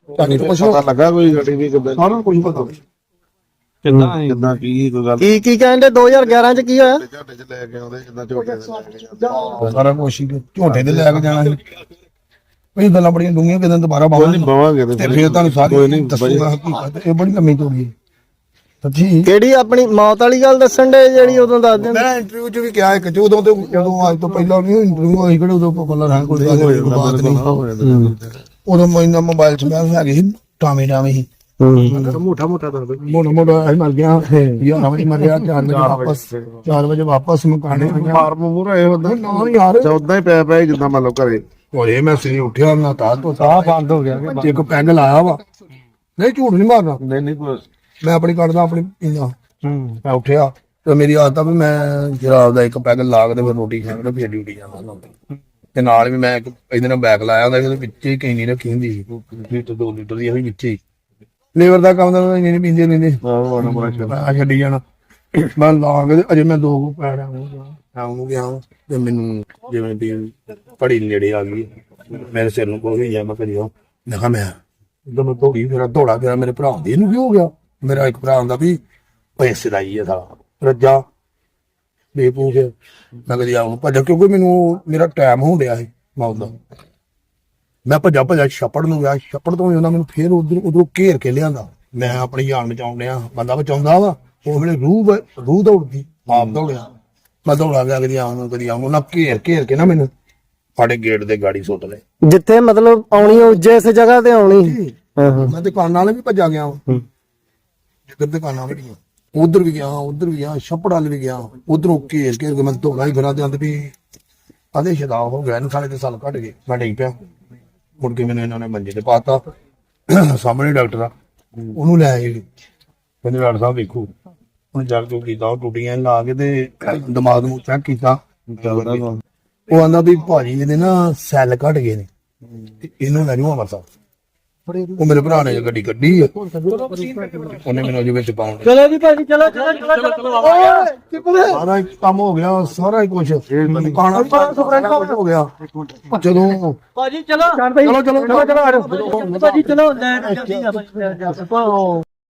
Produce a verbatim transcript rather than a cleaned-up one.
ਪਤਾ ਲੱਗਾ ਕੋਈ ਗੱਡੀ ਵੀ ਕਿੱਦਾਂ ਸਾਰਾ ਕੁਝ ਪਤਾ ਕਿੱਦਾਂ ਕਿੱਦਾਂ ਕੀ ਕੋਈ ਗੱਲ ਕੀ ਕੀ ਕਹਿੰਦੇ ਦੋ ਹਜ਼ਾਰ ਗਿਆਰਾਂ ਚ ਕੀ ਹੋਇਆ? ਝਾਟੇ ਚ ਲੈ ਕੇ ਆਉਂਦੇ ਜਿੱਦਾਂ ਝੋਟੇ ਦੇ ਲੈ ਕੇ ਜਾਂਦੇ। ਸਾਰਾ ਕੁਝ ਹੀ ਝੋਟੇ ਤੇ ਲੈ ਕੇ ਜਾਣਾ ਸੀ। ਇਹ ਗੱਲਾਂ ਬੜੀਆਂ ਡੂੰਘੀਆਂ ਕਿਦਾਂ ਦੁਬਾਰਾ ਕੋਈ ਨਹੀਂ ਬਾਵਾਂਗੇ ਬਵਾਂਗੇ ਤੇ ਫਿਰ ਤੁਹਾਨੂੰ ਸਾਰੀ ਦੱਸੂਗਾ ਹਕੀਕਤ। ਇਹ ਬੜੀ ਲੰਮੀ ਚੌੜੀ ਹੈ ਸੱਚੀ। ਕਿਹੜੀ ਆਪਣੀ ਮੌਤ ਵਾਲੀ ਗੱਲ ਦੱਸਣ ਦੇ ਜਿਹੜੀ ਉਦੋਂ ਦੱਸ ਦਿੰਦੇ? ਮੈਂ ਇੰਟਰਵਿਊ ਚ ਵੀ ਕਿਹਾ ਇੱਕ ਚ ਉਦੋਂ ਤੇ ਜਦੋਂ ਅੱਜ ਤੋਂ ਪਹਿਲਾਂ ਨਹੀਂ ਇੰਟਰਵਿਊ ਹੋਈ ਕਿਹੜੇ ਉਦੋਂ ਪਪੂਲਰ ਰਹਿਣ ਕੋਈ ਬਾਤ ਨਹੀਂ। ਉਦੋਂ ਮੈਨਾਂ ਮੋਬਾਈਲ ਚ ਮੈਂ ਹੈਗੇ ਸੀ ਟਾਵੇਂ ਟਾਵੇਂ ਸੀ ਮੋਟਾ ਮੋਟਾ ਦੱਸ ਮੋਟਾ ਮੋਟਾ ਮਰ ਗਿਆ ਯਾਰ ਵਜੇ ਮਰ ਗਿਆ ਚਾਰ ਵਜੇ ਵਾਪਸ ਚਾਰ ਵਜੇ ਵਾਪਸ ਮਕਾਨੇ ਫਾਰਮ ਮੂਰਾ ਇਹ ਹੁੰਦਾ ਨਾ ਯਾਰ ਚੌਦਾਂ ਹੀ ਪੈ ਪਿਆ ਜਿੱਦਾਂ ਮੰਨ ਲਓ ਘਰੇ ਹੋਏ ਮੈਂ ਸਵੇਰੇ ਉੱਠਿਆ ਨਾ ਤਾਂ ਤੋਂ ਸਾਹ ਬੰਦ ਹੋ ਗਿਆ ਇੱਕ ਪੈਗ ਲਾਇਆ ਵਾ ਨਹੀਂ ਝੂਠ ਨਹੀਂ ਮਾਰਨਾ ਨਹੀਂ ਨਹੀਂ ਮੈਂ ਆਪਣੀ ਕੱਢਦਾ ਆਪਣੀ ਪੀਂਦਾ ਮੈਂ ਉੱਠਿਆ ਤੇ ਮੇਰੀ ਆਦਤ ਆ ਵੀ ਮੈਂ ਜਰਾਬ ਦਾ ਇੱਕ ਪੈਗ ਲਾ ਕੇ ਤੇ ਫਿਰ ਰੋਟੀ ਖਾਂਦਾ ਫਿਰ ਡਿਊਟੀ ਜਾਂਦਾ ਤੇ ਨਾਲ ਵੀ ਮੈਂ ਇੱਕ ਇਹਦੇ ਨਾਲ ਬੈਗ ਲਾਇਆ ਹੁੰਦਾ ਉਹਦੇ ਵਿੱਚ ਹੀ ਕੈਨੀ ਰੱਖੀ ਹੁੰਦੀ ਸੀ ਲੀਟਰ ਦੋ ਲੀਟਰ ਦੀ ਵੀ ਵਿੱਚ ਹੀ ਲੇਬਰ ਦਾ ਕੰਮ ਦਾ ਇੰਨੇ ਨਹੀਂ ਪੀਂਦੇ ਲੈਂਦੇ ਮੈਂ ਛੱਡੀ ਜਾਣਾ ਮੈਂ ਲਾ ਕੇ ਅਜੇ ਮੈਂ ਦੋ ਕੁ ਪੈਰ ਆਉਂ ਗਿਆ ਤੇ ਮੈਨੂੰ ਜਿਵੇਂ ਵੀ ਪੜੀ ਨੇੜੇ ਆ ਗਈ ਮੇਰੇ ਸਿਰ ਨੂੰ ਕੋਈ ਜਾਂ ਮੈਂ ਕਰਿਓ ਮੈਂ ਕਿਹਾ ਮੈਂ ਜਦੋਂ ਮੈਂ ਦੌੜੀ ਫਿਰ ਦੌੜਾ ਗਿਆ ਮੇਰੇ ਭਰਾ ਦੇ ਇਹਨੂੰ ਕੀ ਹੋ ਗਿਆ ਮੇਰਾ ਇੱਕ ਭਰਾ ਹੁੰਦਾ ਵੀ ਪੈਸੇ ਦਾ ਹੀ ਹੈ ਸਾਲਾ ਰੱਜਾ ਬੇਪੂਖ ਮੈਂ ਕਦੀ ਆਉਂ ਭੱਜ ਕਿਉਂਕਿ ਮੈਨੂੰ ਮੇਰਾ ਟਾਈਮ ਹੋ ਰਿਹਾ ਸੀ ਮੌਤ ਦਾ ਮੈਂ ਭੱਜਾ ਭੱਜਾ ਛੱਪੜ ਨੂੰ ਗਿਆ ਛੱਪੜ ਤੋਂ ਉਹਨਾਂ ਮੈਨੂੰ ਫੇਰ ਉਧਰ ਉਧਰੋਂ ਘੇਰ ਕੇ ਲਿਆਂਦਾ ਮੈਂ ਆਪਣੀ ਜਾਨ ਬਚਾਉਣ ਡਿਆ ਬੰਦਾ ਬਚਾਉਂਦਾ ਵਾ ਉਹ ਵੇਲੇ ਰੂਹ ਰੂਹ ਦੌੜਦੀ ਆਪ ਦੌੜਿਆ ਮੈਂ ਦੌੜਾ ਗਿਆ ਕਦੀ ਆਉਂ ਨੂੰ ਕਦੀ ਆਉਂ ਉਹਨਾਂ ਘੇਰ ਘੇਰ ਕੇ ਨਾ ਮੈਨੂੰ ਸਾਡੇ ਗੇਟ ਦੇ ਗਾੜੀ ਸੁੱਟ ਲਏ ਜਿੱਥੇ ਮਤਲਬ ਆਉਣੀ ਉਹ ਜਿਸ ਜਗ੍ਹਾ ਤੇ ਆਉਣੀ ਮੈਂ ਦੁਕਾਨਾਂ ਵਾਲੇ ਵੀ ਭੱਜਾ ਗਿਆ ਵਾ ਜਿੱਧਰ ਦੁਕਾਨਾਂ ਵਾਲੀਆਂ ਉਧਰ ਵੀ ਗਿਆ ਉਧਰ ਵੀ ਗਿਆ ਛੱਪੜ ਵਾਲ ਵੀ ਗਿਆ ਉਧਰੋਂ ਘੇਰ ਘੇਰ ਕੇ ਮੈਂ ਦੌੜਾ ਹੀ ਫਿਰਾਂ ਤੇ ਅੰਤ ਵੀ ਆਦੇ ਸ਼ਦਾ ਹੋ ਗਿਆ ਇਹਨੂੰ ਸਾਲੇ ਤੇ ਸਾਲ ਕੱਢ ਗਏ ਮੈਂ ਡਿੱਗ ਪਿਆ ਮੁੜ ਕੇ ਮੈਨੂੰ ਇਹਨਾਂ ਨੇ ਮੰਜੇ ਤੇ ਪਾਤਾ ਸਾਹਮਣੇ ਡਾਕਟਰ ਆ ਉਹਨੂੰ ਲੈ ਆਏ ਕਹਿੰਦੇ ਡਾਕਟਰ ਸਾਹਿਬ ਵੇਖੋ ਉਹਨੇ ਜਗ ਜੋ ਕੀਤਾ ਉਹ ਟੁੱਟੀਆਂ ਲਾ ਕੇ ਤੇ ਦਿਮਾਗ ਨੂੰ ਚੈੱਕ ਕੀਤਾ ਉਹ ਆਂਦਾ ਵੀ ਭਾਜੀ ਇਹਦੇ ਨਾ ਸੈੱਲ ਘਟ ਗਏ ਨੇ ਤੇ ਇਹਨੂੰ ਲੈ ਜਾਓ ਅੰਮ੍ਰਿਤਸਰ ਉਹ ਮੇਰੇ ਭਰਾ ਨੇ ਗੱਡੀ ਕੱਢੀ ਆ ਉਹਨੇ ਮੈਨੂੰ ਅਜੇ ਵਿੱਚ ਪਾਉਣ ਚਲੋ ਜੀ ਭਾਜੀ ਚਲੋ ਚਲੋ ਚਲੋ ਸਾਰਾ ਹੀ ਕੰਮ ਹੋ ਗਿਆ ਸਾਰਾ ਹੀ ਕੁਝ ਕਾਣਾ ਹੋ ਗਿਆ ਜਦੋਂ ਭਾਜੀ ਚਲੋ ਚਲੋ ਚਲੋ ਚਲੋ ਭਾਜੀ ਚਲੋ ਲੈ